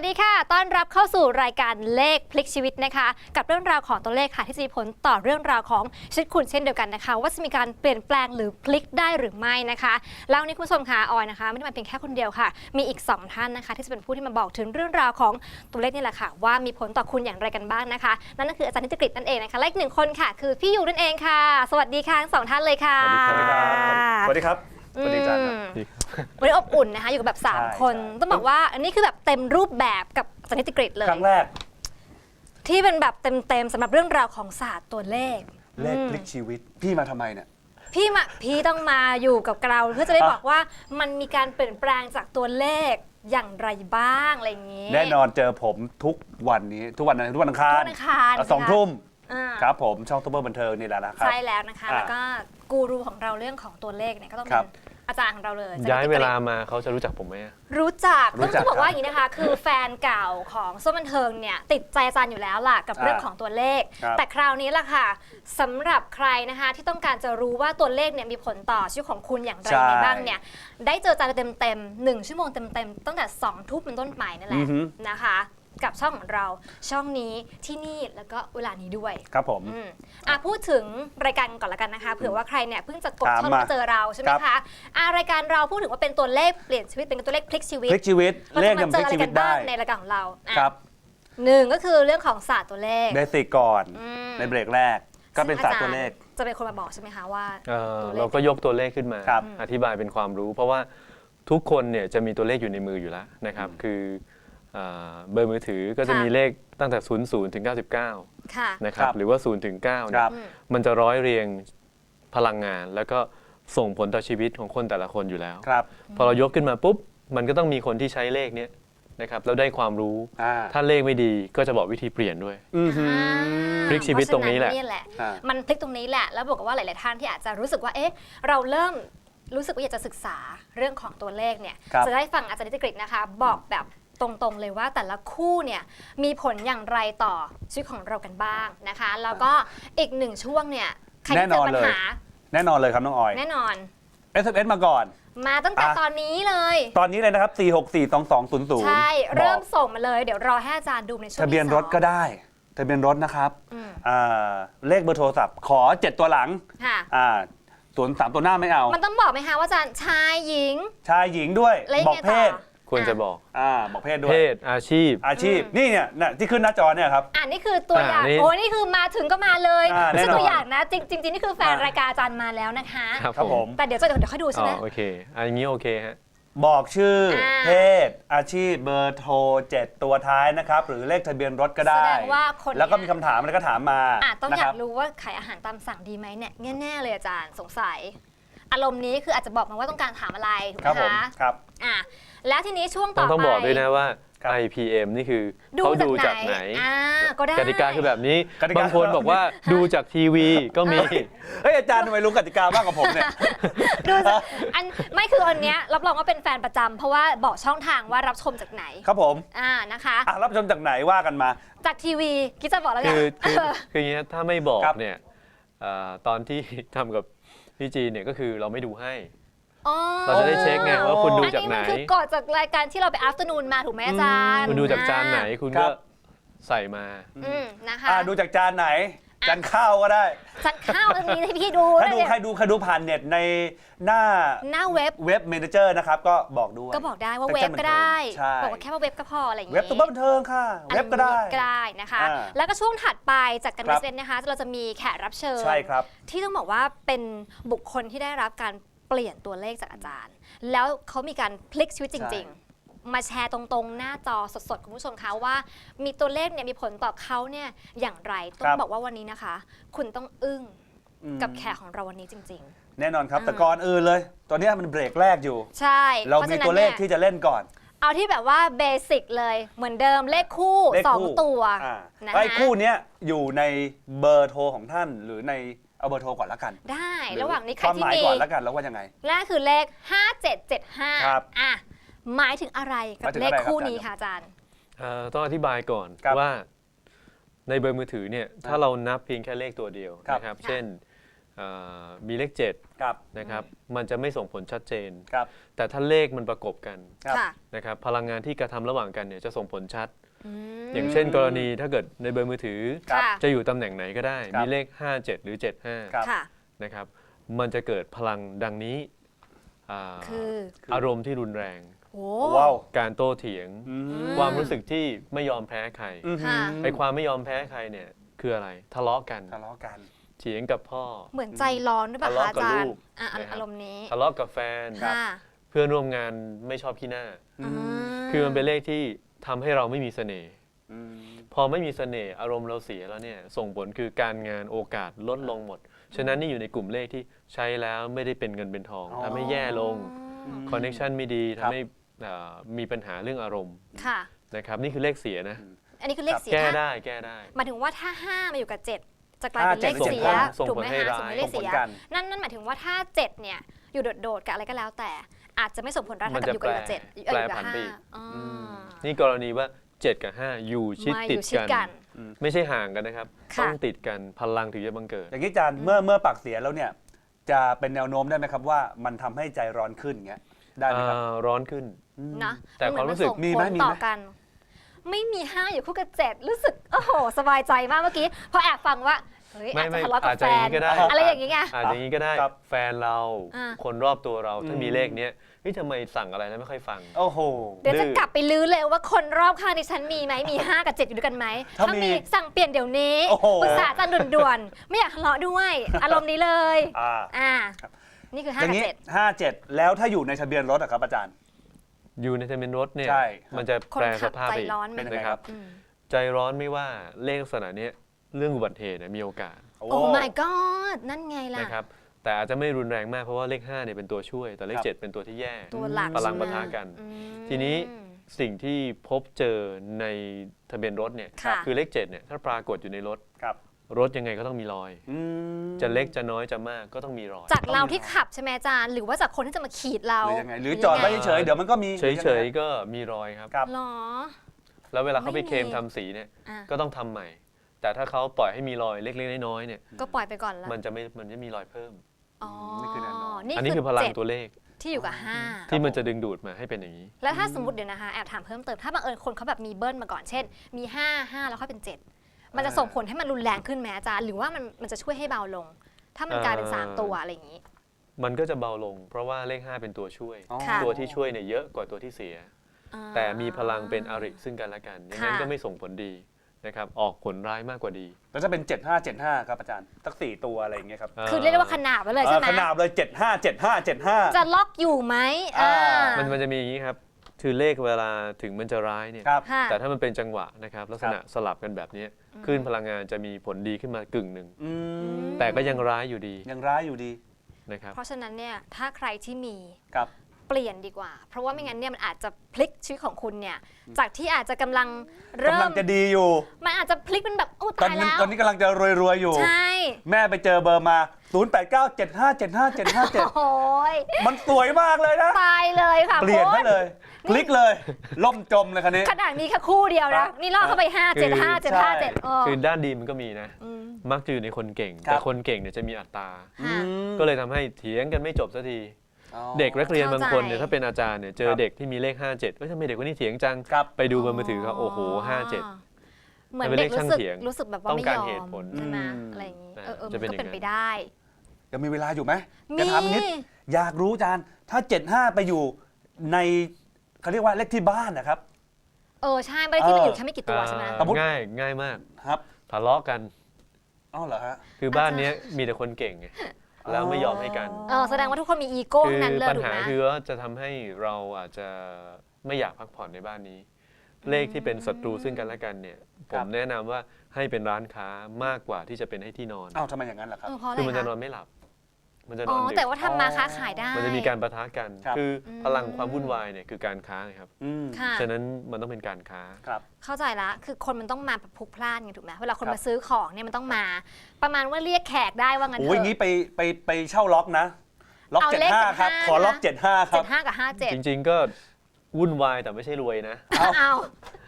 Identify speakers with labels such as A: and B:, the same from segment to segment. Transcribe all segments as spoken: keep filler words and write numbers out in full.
A: วัสดีค่ะต้อนรับเข้าสู่รายการเลขพลิกชีวิตนะคะกับเรื่องราวของตัวเลขค่ะที่จะมีผลต่อเรื่องราวของชีวิตคุณเช่นเดียวกันนะคะว่าจะมีการเปลี่ยนแปลงหรือพลิกได้หรือไม่นะคะแล้ววันนี้คุณผู้ชมค่ะออยนะคะไม่ได้มาเพียงแค่คนเดียวค่ะมีอีกสองท่านนะคะที่จะเป็นผู้ที่มาบอกถึงเรื่องราวของตัวเลขนี่แหละค่ะว่ามีผลต่อคุณอย่างไรกันบ้างนะคะนั่นก็คืออาจารย์นิติกฤษนั่นเองนะคะและอีกหนึ่งคนค่ะคือพี่ยูนั่นเองค่ะสวัสดีค่ะทั้งสองท่านเลยค่ะ
B: สวัสดีครับสวัสดีครับ
A: วันนี้อบอุ่นนะคะอยู่กับแบบสามคนต้องบอกว่าอันนี้คือแบบเต็มรูปแบบกับอาจารย์นิติกฤษเลย
B: ครั้งแรก
A: ที่เป็นแบบเต็มๆสำหรับเรื่องราวของศาสตร์ตัวเลข
B: เลขพลิกชีวิตพี่มาทำไมเนี่ย
A: พี่มาพี่ต้องมาอยู่กับเราเพื่อจะได้บอกว่ามันมีการเปลี่ยนแปลงจากตัวเลขอย่างไรบ้างอะไรอย่างนี้
B: แน่นอนเจอผมทุกวันนี้ทุกวันทุกวันอังคารสองทุ่มครับผมช่องซุปเปอร์บันเทิงนี่แหละนะครับ
A: ใช่แล้วนะคะแล้วก็กูรูของเราเรื่องของตัวเลขเนี่ยก็ต้องเป็นอาจารย์ของเราเลย
C: ย้ายเวลามาเขาจะรู้จักผมไหม
A: รู้จักต้องบอกว่าอย่างนี้นะคะคือแฟนเก่าของซุปเปอร์บันเทิงเนี่ยติดใจอาจารย์อยู่แล้วล่ะกับเรื่องของตัวเลขแต่คราวนี้ล่ะค่ะสำหรับใครนะคะที่ต้องการจะรู้ว่าตัวเลขเนี่ยมีผลต่อชีวิตของคุณอย่างไรบ้างเนี่ยได้เจออาจารย์เต็มๆหนึ่งชั่วโมงเต็มๆตั้งแต่สองทุ่มเป็นต้นไปนั่นแหละนะคะกับช่องของเราช่องนี้ที่นี่แล้วก็เวลานี้ด้วย
B: ครับผม
A: อ่ะพูดถึงรายการก่อนละกันนะคะเผื่อว่าใครเนี่ยเพิ่งจะกดช่องมาเจอเราใช่ไหมคะอ่ะรายการเราพูดถึงว่าเป็นตัวเลขเปลี่ยนชีวิตเป็นตัวเลขพลิกชีวิต
B: พลิกชีวิต
A: เลขยังพลิกชีวิตได้ในรายการของเรา
B: ครับ
A: หนึ่งก็คือเรื่องของศาสตร์ตัวเลข
B: เบสิกก่อนในเบรกแรกก็เป็นศาสตร์ตัวเลข
A: จะเป็นคนมาบอกใช่ไหมคะว่า
C: เราก็ยกตัวเลขขึ้นมาอธิบายเป็นความรู้เพราะว่าทุกคนเนี่ยจะมีตัวเลขอยู่ในมืออยู่แล้วนะครับคือเบอร์มือถือก็จะมีเลขตั้งแต่ศูนย์ ศูนย์ถึงเก้าสิบเก้านะครับหรือว่าศูนย์ถึงเก้าเนี่ยมันจะร้อยเรียงพลังงานแล้วก็ส่งผลต่อชีวิตของคนแต่ละคนอยู่แล้วพอเรายกขึ้นมาปุ๊บมันก็ต้องมีคนที่ใช้เลขนี้นะครับแล้วได้ความรู้ถ้าเลขไม่ดีก็จะบอกวิธีเปลี่ยนด้วยพลิกชีวิตตรงนี้แหละ
A: มันพลิกตรงนี้แหละแล้วบอกว่าหลายๆท่านที่อาจจะรู้สึกว่าเอ๊ะเราเริ่มรู้สึกว่าอยากจะศึกษาเรื่องของตัวเลขเนี่ยจะได้ฟังอาจารย์นิติกฤษนะคะบอกแบบตรงๆเลยว่าแต่ละคู่เนี่ยมีผลอย่างไรต่อชีวิตของเรากันบ้างนะคะแล้วก็อีกหนึ่งช่วงเนี่ยใครที่เจอปัญหา
B: แน่นอนเลยครับน้องออย
A: แน่นอน
B: เอส เอ็ม เอส มาก่อน
A: มาตั้งแต่ตอนนี้เลย
B: ตอนนี้เลยนะครับสี่ หก สี่ สอง สอง ศูนย์ ศูนย์
A: ใช่เริ่มส่งมาเลยเดี๋ยวรอให้อาจารย์ดูในช่วง
B: ทะเบียนรถก็ได้ทะเบียนรถนะครับเลขเบอร์โทรศัพท์ขอเจ็ดตัวหลังส่วนสามตัวหน้าไม่เอา
A: มันต้องบอกไหมคะว่าอาจารย์ชายหญิง
B: ชายหญิงด้วยบอกเพศ
C: ควรจะบอก
B: อ่าบอกเพศด้วย
C: เพศอาชีพ
B: อาชีพนี่เนี่ยที่ขึ้นหน้าจอเนี่ยครับ
A: อ่านี่คือตัวอย่างโอ้นี่คือมาถึงก็มาเลยไม่ใช่ตัวอย่างนะจริงจริงนี่คือแฟนรายการอาจารย์มาแล้วนะคะ
B: ครับผม
A: แต่เดี๋ยวจะเดี๋ยวค่อยดูใช่ไหม
C: โอเคอันนี้โอเคฮะ
B: บอกชื่อเพศอาชีพเบอร์โทรเจ็ดตัวท้ายนะครับหรือเลขทะเบียนรถก็ได้
A: แสดงว่าคน
B: แล้วก็มีคำถามอะไรก็ถามมา
A: ต้องอยากรู้ว่าขายอาหารตามสั่งดีไหมเนี่ยแน่ๆเลยอาจารย์สงสัยอารมณ์นี้คืออาจจะบอกมาว่าต้องการถามอะไรถูกไหมคะ
B: ครับ
A: อ่ะแล้วทีนี้ช่วงต่อไป
C: ต้องบอกด้วยนะว่า ไอ พี เอ็ม นี่คือเขาดูจากไหนกติกาคือแบบนี้บางคนบอกว่าดูจากทีวีก็มี
B: เฮ้ยอาจารย์ทำไมรู้กติกามากกว่าผมเนี่ย
A: ดูอันไม่คืออันเนี้ยรับรองว่าเป็นแฟนประจำเพราะว่าบอกช่องทางว่ารับชมจากไหน
B: ครับผม
A: อ่านะคะ
B: รับชมจากไหนว่ากันมา
A: จากทีวีคิดจะบอกแล้วไง
C: คือคืออย่างนี้ถ้าไม่บอกเนี่ยตอนที่ทำกับพี่จีเนี่ยก็คือเราไม่ดูให้เราจะได้เช็คไงว่าคุณดูจากไหน
A: อันนี้มันคือก่อนจากรายการที่เราไป afternoon มาถูกไหมอาจารย์
C: คุณดูจากจานไหนคุณก็ใส่มา
A: อืมนะคะ
B: ดูจากจานไหนจานข้าวก็ได้
A: จานข้าวตรงนี้ให้พี่ดู
B: ถ้าดูใครดูใครดูผ่านเน็ตในหน้า
A: หน้าเว็บ
B: เว็บเมเนเจอร์นะครับก็บอกด้วย
A: ก็บอกได้ว่าเว็บก็ได้บอกว่าแค่ว่าเว็บก็พออะไรอย่าง
B: งี้เว็บตัวบันเทิงค่ะเว็บก็ได้
A: ก็ได้นะคะแล้วก็ช่วงถัดไปจากการเซ็นนะคะเราจะมีแขกรับเชิญที่ต้องบอกว่าเป็นบุคคลที่ได้รับการเปลี่ยนตัวเลขจากอาจารย์แล้วเขามีการพลิกชีวิตจริงๆมาแชร์ตรงๆหน้าจอสดๆคุณผู้ชมคะว่ามีตัวเลขเนี่ยมีผลต่อเขาเนี่ยอย่างไรต้องบอกว่าวันนี้นะคะคุณต้องอึ้งกับแขกของเราวันนี้จริง
B: ๆแน่นอนครับแต่ก่อนอื่นเลยตัวนี้มันเบรกแรกอยู่
A: ใช่
B: เรามีตัวเลขที่จะเล่นก่อน
A: เอาที่แบบว่าเบสิกเลยเหมือนเดิมเลขคู่สองตัว
B: ไอ้คู่นี้อยู่ในเบอร์โทรของท่านหรือในเอาเบอร์โทรก่อนละกัน
A: ได้ระหว่างนี้ใครที่มี
B: ความหมายก่อนละกันแล้วว่ายังไง
A: แรกคือเลขห้าเจ็ดเจ็ดห้าอ่ะหมายถึงอะไรกับเลขคู่นี้คะอาจารย์
C: ต้องอธิบายก่อนว่าในเบอร์มือถือเนี่ยถ้าเรานับเพียงแค่เลขตัวเดียวนะครับเช่นเอ่อมีเลขเจ็ด
B: ครับ
C: นะครับมันจะไม่ส่งผลชัดเจน
B: ครับ
C: แต่ถ้าเลขมันประกบกัน
B: ครับ
A: ค่ะ
C: นะครับพลังงานที่กระทำระหว่างกันเนี่ยจะส่งผลชัด
A: อืม
C: อย่างเช่น กรณีถ้าเกิดในเบอร์มือถือ
B: ครับ
A: ค่ะ
C: จะอยู่ตำแหน่งไหนก็ได้
B: ครับ
C: มีเลขห้าเจ็ดหรือเจ็ดห้า
B: ครับ
A: ค่ะ
C: นะครับมันจะเกิดพลังดังนี้อ่า
A: คือ
C: อารมณ์ที่รุนแรง
A: โอ้
B: ว้าว
C: การโต้เถียง
B: อืม
A: ม
C: ความรู้สึกที่ไม่ยอมแพ้ใคร
B: อืม
A: ค่ะ
C: ไอ้ความไม่ยอมแพ้ใครเนี่ยคืออะไรทะเลาะกัน
B: ทะเลาะกัน
C: เถียงกับพ่อ
A: เหมือนใจร้อนด้วยป่ะ
C: ทะ
A: คะ
C: เลาะ
A: อา
C: กับ
A: จาร
C: ลู
A: ย์
C: ก
A: อ่ะ
C: นะครับ
A: อารมณ์นี้
C: ทะเลาะกับแฟน
A: ค่ะ
C: เพื่อนร่วมงานไม่ชอบขี้หน้า
B: อืม
C: คือมันเป็นเลขที่ทำให้เราไม่มีเสน่ห์
B: อืม
C: พอไม่มีเสน่ห์อารมณ์เราเสียแล้วเนี่ยส่งผลคือการงานโอกาสลดลงหมด ฉะนั้นนี่อยู่ในกลุ่มเลขที่ใช้แล้วไม่ได้เป็นเงินเป็นทอง
B: อ๋อ
C: ทำให้แย่ลง
A: อืม
C: คอนเน c ชันไม่ดี
B: ครับ
C: ทำให้เอ่อมีปัญหาเรื่องอารมณ์
A: ค่ะ
C: นะครับนี่คือเลขเสียนะ
A: อันนี้คือเลขเสีย
C: แก้
A: ถ้า
C: ได้แก้ได้
A: หมายถึงว่าถ้าห้ามาอยู่กับเจ็ดจะกลายเป็นเลข
B: ห้าเจ็ด
A: เสีย
C: ส่งผล
A: ถูกไหม
C: ให้
A: คะ
C: ร้าย
A: ส่งผลให้เลขเสีย
B: ส่งผลกัน
A: นั่นนั่นหมายถึงว่าถ้าเจ็ดเนี่ยอยู่โดดๆกับอะไรก็แล้วแต่ อาจจะไม่ส่งผลร้าย
C: มั
A: เท่าน กับ
C: จะ
A: อยู่กับเจ็ด
C: แปร
A: เอ่ออยู่กับ
C: แปรผัน
A: ห้า
C: ไปอีก
A: อ๋ออ
C: นี่กรณีว่าเจ็ดกับห้าอยู่ชิด
A: มา
C: ติ
A: อ
C: ด
A: ยู่ชิด
C: กัน
A: กัน
C: ไม่ใช่ห่างกันนะครับ
A: ค่ะ
C: ต้องติดกันพลังถึงจะบังเกิด
B: อย่างนี้อาจารย์เมื่อเมื่อปากเสียแล้วเนี่ย จะเป็นแนวโน้มได้ไหมครับว่ามันทำให้ใจร้อนขึ้นเงี้ยได้ไหมครับ
C: อ่าร้อนขึ้น
A: นะ
C: แต่
A: นเห
C: ความรู้สึก
A: นส่ง
B: มีไหม
A: ผล
B: มีไหม
A: ต่อกัน ไม่มีห้าอยู่คู่กับเจ็ดรู้สึกโอ้โหสบายใจมากเมื่อกี้พอแอบฟังว่าเฮ้ย
C: ไม่
A: อาจจะ
C: ไม่
A: ทะเลาะกับ
C: อาจ
A: แฟ
C: จะอย่าง
A: น
C: นี้ก็ได้
A: อะไรอย่างเงี้ย
C: อาจจะอย่างนี้ก็ได้
B: ครับ
C: แฟนเรา
A: อ่า
C: คนรอบตัวเราถ้า
B: อืม
C: มีเลขเนี้ยเฮ้ยทำไมสั่งอะไรแล้วไม่ค่อยฟัง
B: โอ้โห
A: เดี๋ยวจะ
C: ดื้อ
A: กลับไปลื้อเลยว่าคนรอบข้างดิฉันมีไหมมีห้ากับเจ็ดอยู่ด้วยกันไหม
B: ถ้า
A: ถ้า
B: มี
A: มีสั่งเปลี่ยนเดี๋ยวนี้
B: โอ้โห
A: ปรึกษาอาจารย์ด่วนๆไม่อยากทะเลาะด้วย อารมณ์นี้เลย
B: อ่า
A: อ่านี่คือห้า
B: อย่าง
A: กับ
B: นี้
A: เจ็ด
B: ห้าเจ็ดแล้วถ้าอยู่ในทะเบียนรถอะครับอาจารย์
C: อยู่ในทะเบียนรถเนี่ย
B: ใช่
C: มันจะ
A: คน
C: แปล
A: ขั
C: ส
A: บ
C: ภาพ
A: ใจ
C: ไปอีก
A: ร้อนไหม
B: เป็นยังไง
C: นะค
B: ครั
C: รับ บ
A: อืม
C: ใจร้อนไม่ว่าเลขลักษณะเนี้ยเรื่องอุบัติเหตุเนี่ยมีโอกาส
B: โอ้
A: โอ้ my god นั่นไงล่ะ
C: นะครับแต่อาจจะไม่รุนแรงมากเพราะว่าเลขห้าเนี่ยเป็นตัวช่วย แต่เลข
B: ครับ
C: เจ็ดเป็นตัวที่แย่
A: ตัวหลัก
C: พลัง
A: ใช่ไหม
C: ปะทะกัน
A: อืม
C: ทีนี้สิ่งที่พบเจอในทะเบียนรถเนี่ย
A: ค่ะ
C: คือเลขเจ็ดเนี่ยถ้าปรากฏอยู่ในรถ
B: ครับ
C: รถยังไงก็ต้องมีรอย
B: อืม
C: จะเล็กจะน้อยจะมากก็ต้องมีรอย
A: จากเราที่ขับใช่ไหมอาจารย์หรือว่าจากคนที่จะมาขีดเรา
B: หรือยังไงหรือจอดไว้เฉยๆเดี๋ยวมันก็มี
C: เฉยๆก็มีรอยครับ
B: ครับ
A: หรอ
C: แล้วเวลาเขาไป
A: ไม่มี
C: เคลมทำสีเนี่ย
A: อ่ะ
C: ก็ต้องทำใหม่ แต่ถ้าเขาปล่อยให้มีรอยเล็กๆน้อยๆเนี่ย
A: ก็ปล่อยไปก่อนละ
C: มันจะไม่มันจะมีรอยเพิ่ม
A: อ๋อ
B: นี่คือแนวโน้ม
C: อันนี้คือพลัง
A: เจ็ด
C: ตัวเลข
A: ที่อยู่กับห้า
C: ที่มันจะดึงดูดมาให้เป็นอย่างนี้
A: แล้วถ้าสมมติเดี๋ยวนะคะแอบถามเพิ่มเติมถ้าบังเอิญคนเขาแบบมีเบิ้ลมาก่อนเช่น มีห้า ห้าแล้วค่อยเป็นเจ็ดมันจะส่งผลให้มันรุนแรงขึ้นไหมอาจารย์หรือว่ามันมันจะช่วยให้เบาลง ถ้ามันกลายเป็นสาม
C: เอ่อ
A: ตัวอะไรอย่างนี้
C: มันก็จะเบาลง เพราะว่าเลขห้าเป็นตัวช่วย
B: อ๋อ
A: ค่ะ
C: ตัวที่ช่วยเนี่ยเยอะกว่าตัวที่เสีย
A: อ่า
C: แต่มีพลังเป็นอริซึ่งกันและกันอย่างนั้น
A: ค่ะ
C: ก็ไม่ส่งผลดีนะครับออกผลร้ายมากกว่าดี
B: แล้วจะเป็นเจ็ดห้าเจ็ดห้าครับอาจารย์สักสี่ตัวอะไรอย่างเงี้ยครับ
A: คือเรียกได้ว่าขนาบไว้เลยใช่ไหม
B: ขนาบเลยเจ็ดห้าเจ็ดห้าเจ็ดห้า
A: จะล็อกอยู่ไหมอ่า
B: อ่า
C: มันมันจะมีอย่างนี้ครับคือเลขเวลาถึงมันจะร้ายเนี่ย
B: ครับ
A: ค่ะ
C: แต่ถ้ามันเป็นจังหวะนะครับลักษณะสลับกันแบบนี้คลื่นพลังงานจะมีผลดีขึ้นมากึ่งหนึ่ง
B: อืม
C: แต่ก็ยังร้ายอยู่ดี
B: ยังร้ายอยู่ดี
C: นะครับ
A: เพราะฉะนั้นเนี่ยถ้าใครที่มี
B: ครับ
A: เปลี่ยนดีกว่า เพราะว่าไม่งั้นเนี่ยมันอาจจะพลิกชีวิตของคุณเนี่ยจากที่อาจจะกำลังเริ่
B: กำลั
A: ม
B: งจะดีอยู่
A: มันอาจจะพลิกเป็นแบบโอ้
B: ตอน
A: ตาย
B: นี้
A: แล้ว
B: ตอนนี้กำลังจะรวยๆอยู่
A: ใช่
B: แม่ไปเจอเบอร์มา ศูนย์ แปด เก้า เจ็ด ห้า เจ็ด ห้า เจ็ด ห้า เจ็ด
A: โอ้ย
B: มันสวยมากเลยนะ
A: ตายเลยค่ะ
B: เปลี่ยนให้
A: คุณ
B: เลย คลิกเลย ล่มจมเลยคันนี้
A: ขนาดมีแค่คู่เดียว
B: ครั
A: นะ
B: บ
A: นี่ล่อเข้าไปห้าเจ็ดห้าเจ็ดห้าเจ็ด
B: ใช่
A: โอ้
C: คือด้านดีมันก็มีนะ
A: ม
C: มักจะอยู่ในคนเก่ง
B: ครับ
C: แต่คนเก่งเนี่ยจะมีอัตรา
A: ค่ะ
B: อืม
C: ก็เลยทำให้เถียงกันไม่จบสักที
B: อ๋อ
C: เด็กนักเรียนบางคนเนี่ย
A: เข้าใจ
C: ถ้าเป็นอาจารย์เนี่ยเจ
B: ค
C: อ
B: รับ
C: เด็กที่มีเลขห้าเจ็ดเอ้ยทำไมเด็กคนนี้เถียงจัง
B: ครับ
C: ไปดูบนมือถือเขาโอ้โหห้าเจ็ด
A: เหมือน
C: มันเป็น
A: เด็ก
C: เลขช่าง
A: รู้สึก
C: เถียง
A: รู้สึกแบบว่า
C: ต้อง
A: ไม่
C: การ
A: ยอ
C: เห
A: ม
C: ตุผล
A: ใช่ไหม
B: อืม
A: อะไรอย่างนี้
C: อ่า
A: เออเออมั
C: จะ
A: น
C: เป็น
A: ก็
C: อย่าง
A: เป็น
C: นั้น
A: ไปได้
B: ยังมีเวลาอยู่ไหม
A: มี
B: จะถามนิด อยากรู้อาจารย์ ถ้า เจ็ด ห้า ไปอยู่ในเขาเรียกว่าเลขที่บ้านนะครับ
A: เออใช่ไม่ได้ที่มันอยู่
B: เออ
A: แค่ไม่กี่ตัวใช่ไหม
C: อ่า
B: สมมุติ
C: ง่ายง่ายมาก
B: ครับ
C: ทะเลาะกัน
B: อ้าวเหรอฮะ
C: คือบ้านเนี้ยมีแต่คนเก่งไงแล้วไม่ยอมให้กัน
A: เออแสดงว่าทุกคนมีอีโก้
C: คื
A: ทั้งนั้นเลย
C: ปัญ
A: ถูก
C: หา
A: ไหม
C: คือว่าจะทำให้เราอาจจะไม่อยากพักผ่อนในบ้านนี้ เลขที่เป็นศัตรูซึ่งกันและกันเนี่ยผ
B: ครั
C: ม
B: บ
C: แนะนำว่าให้เป็นร้านค้ามากกว่าที่จะเป็นให้ที่นอน
B: อ้าวทำไมอย่างนั้นล่ะครับ
A: เออเพราะอะไร
C: คือมันจะ
A: คะ
C: นอนไม่หลับ มันจะน
A: อ๋
C: อ
A: อน
C: ดึก
A: แต่ว่าทำมาค้าขายได้
C: มันจะมีการประทะกัน
B: ครับ
C: คือ
A: ม
C: พลังความวุ่นวายเนี่ยคือการค้าไงครับ
B: อืม
A: ค่ะ
C: ฉะนั้นมันต้องเป็นการค้า
B: ครับ
A: เข้าใจละคือคนมันต้องมาแบบพลุกพล่านไงถูกไหมเวลาคน
B: ครับ
A: มาซื้อของเนี่ยมันต้องมา ประมาณว่าเรียกแขกได้ว่างั้นเถ
B: โอ้ยอย่าง
A: อะ
B: นี้ไปไปไปเช่าล็อกนะ ล็อก
A: เอา
B: เจ็ด
A: เลข
B: ห้าครับ
A: เจ็ดห้า
B: ขอล็อก
A: นะ
B: เจ็ดห้าค
A: เจ็
B: รับ
A: ดห้ากับห้าเจ็ด
C: จริงๆก็วุ่นวายแต่ไม่ใช่รวยนะ
B: เอา
A: เอา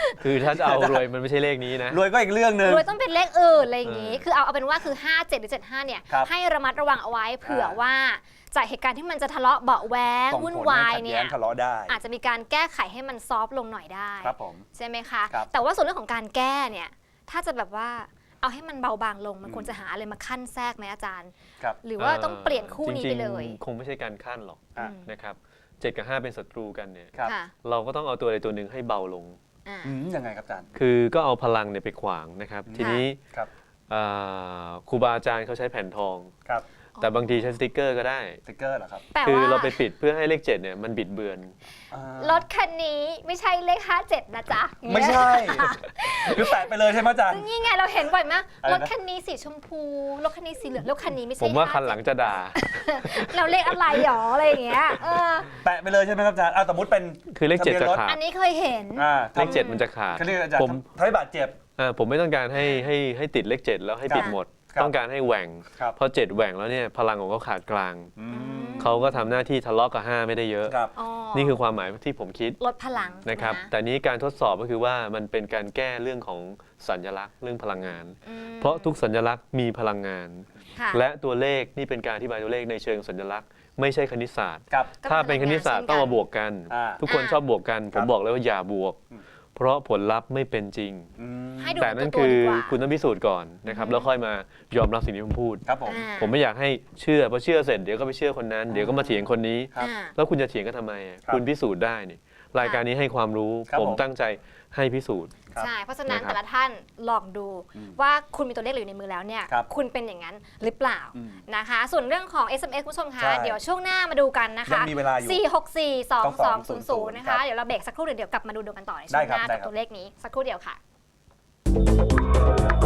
C: คือถ้าจะเอารวยมันไม่ใช่เลขนี้นะ
B: รวยก็อีกเรื่องหนึ่ง
A: รวยต้องเป็นเลขอื่นอะไรอย่างนี้ คือเอาเอาเป็นว่าคือห้าเจ็ดหรือเจ็ดห้าเนี่ย
B: ครับ
A: ให้ระมัดระวังเอาไว้เผื่อว่าจากเหตุการณ์ที่มันจะทะเลาะเบาะแว้ง
B: ส่ง
A: วุ่น
B: ผล
A: วา
B: ให้
A: ย
B: ขัด
A: เนี่
B: แย้
A: ย
B: งทะเลาะได้
A: อาจจะมีการแก้ไขให้มันซอฟต์ลงหน่อยได้
B: ครับผม
A: ใช่ไหมคะ
B: ครับ
A: แต่ว่าส่วนเรื่องของการแก้เนี่ยถ้าจะแบบว่าเอาให้มันเบาบางลงมัน
B: อืม
A: ควรจะหาอะไรมาขั้นแทรกไหมอาจารย์
B: ครับ
A: หรือว่าต้องเปลี่ยนคู่นี้ไปเลย
C: จริงๆคงไม่ใช่การขั้นหรอก
B: อ่ะ
C: นะครับเจ็ดกับห้าเป็นศัตรูกันเนี่ย
B: ครับ
A: ค่ะ
C: เราก็ต้องเอาตัวใดตัวหนึ่งให้เบาลง
A: อ่า
B: อืมยังไงครับอาจารย์
C: คือก็เอาพลังเนี่ยไปขวางนะครับ
B: อืม
C: ทีนี้
B: ครับ
C: อ่าครูบาอาจารย์เขาใช้แผ่นทอง
B: ครับ
C: แต่บางทีใช้สติกเกอร์ก็ได้
B: สติ๊กเกอร์เหรอครับ
A: แต่
C: คือ
A: ว่า
C: เราไปปิดเพื่อให้เลขเจ็ดเนี่ยมันบิดเบือน
B: อ่าร
A: ถคันนี้ไม่ใช่เลขห้าเจ็ดนะจ๊ะ
B: ไม่ใช่ คือแตะไปเลยใช่ไหมอาจารย์
A: นี่ไงเราเห็นบ่อยมาก
B: อะไรนะ
A: รถคันนี้สีชมพูรถคันนี้สีเหลืองรถคันนี้ไม่ใช่
C: ผมว่า
A: ห้
C: คันหลังจะด่า
A: เราเลขอะไรหรออะไรอย่างเงี้ยเออ
B: แตะไปเลยใช่ไหมครับอาจารย์อ่าสมมติเป็น
C: คือเลขเจ็ด
B: ทะบียน
C: จะ
B: รถ
C: ขาด
A: อันนี้เคยเห็น
B: อ่า
C: เลขเจ็ดมันจะขาด
B: เขาเรียกอาจารย์
C: ผม
B: ทำให้บาดเจ็บ
C: อ่าผมไม่ต้องการให้ให้ให้ติดเลขเจ็ดแล้วให้ปิด
A: ครับ
C: หมด
B: ครับ
C: ต้องการให้แหว่ง
B: ครับ
C: พอเจ็ดแหว่งแล้วเนี่ยพลังของเขาขาดกลาง
B: อืม
C: เขาก็ทำหน้าที่ทะเลาะกับห้าไม่ได้เยอะ
B: ครับ
A: อ๋อ
C: นี่คือความหมายที่ผมคิด
A: ลดพลัง
C: นะครับ
A: ะ
C: แต่นี้การทดสอบก็คือว่ามันเป็นการแก้เรื่องของสัญลักษณ์เรื่องพลังงาน
A: อืม
C: เพราะทุกสัญลักษณ์มีพลังงาน
A: ค่ะ
C: และตัวเลขนี่เป็นการอธิบายตัวเลขในเชิงสัญลักษณ์ไม่ใช่คณิตศาสตร์
B: ครับ
A: ก็
C: ถ้าเป็นคณิตศาสตร์
A: พลังงาน
C: ต้องมาบวกกัน
B: อ่า
C: ทุกคน
A: อ่า
C: ชอบบวกกัน ผ
B: ครั
C: ม
B: บ
C: บอกเลยว่าอย่าบวก
B: อืม
C: เพราะผลลัพธ์ไม่เป็นจริง
B: อืม
A: ให้ดู
C: แต่นั่น
A: ตัว
C: คือ
A: ดีกว่า
C: คุณต้องพิสูจน์ก่อนนะครับ
A: อืม
C: แล้วค่อยมายอมรับสิ่งที่ผมพูด
B: ครับผม
A: อ่า
C: ผมไม่อยากให้เชื่อพอเชื่อเสร็จเดี๋ยวก็ไปเชื่อคนนั้นเดี๋ยวก็มาเถียงคนนี้
B: ครับ
A: อ่า
C: แล้วคุณจะเถียงกันทำไมอ่ะ
B: ครับ
C: คุณพิสูจน์ได้นี่รายการนี้ให้ความรู้
B: ครับ
C: ผม
B: ผม
C: ตั้งใจให้พิสูจน์
B: ครับ
A: ใช่ เพราะฉะนั้น
C: นะครับ
A: แต่ละท่านลองดู
B: อืม
A: ว่าคุณมีตัวเลขอยู่ในมือแล้วเนี่ย
B: ครับ
A: คุณเป็นอย่างนั้นหรือเปล่า
B: อืม
A: นะคะ ส่วนเรื่องของ เอส เอ็ม เอส คุณผู้ชมคะ
B: ใช่
A: เดี๋ยวช่วงหน้ามาดูกันนะคะ
B: ยังมีเวลาอยู่
A: สี่ หก สี่ สอง สอง ศูนย์ ศูนย์ นะ
B: ครั
A: คะ
B: บ
A: เดี๋ยวเราเบรกสักครู่เดี๋ยวเดี๋ยวกลับมาดูดูกันต่อในช่
B: ได้
A: วง
B: ครั
A: ห
B: บ
A: น้า
B: ได้
A: กับ
B: ครับ
A: ตัวเลขนี้สักครู่เดียวค่ะ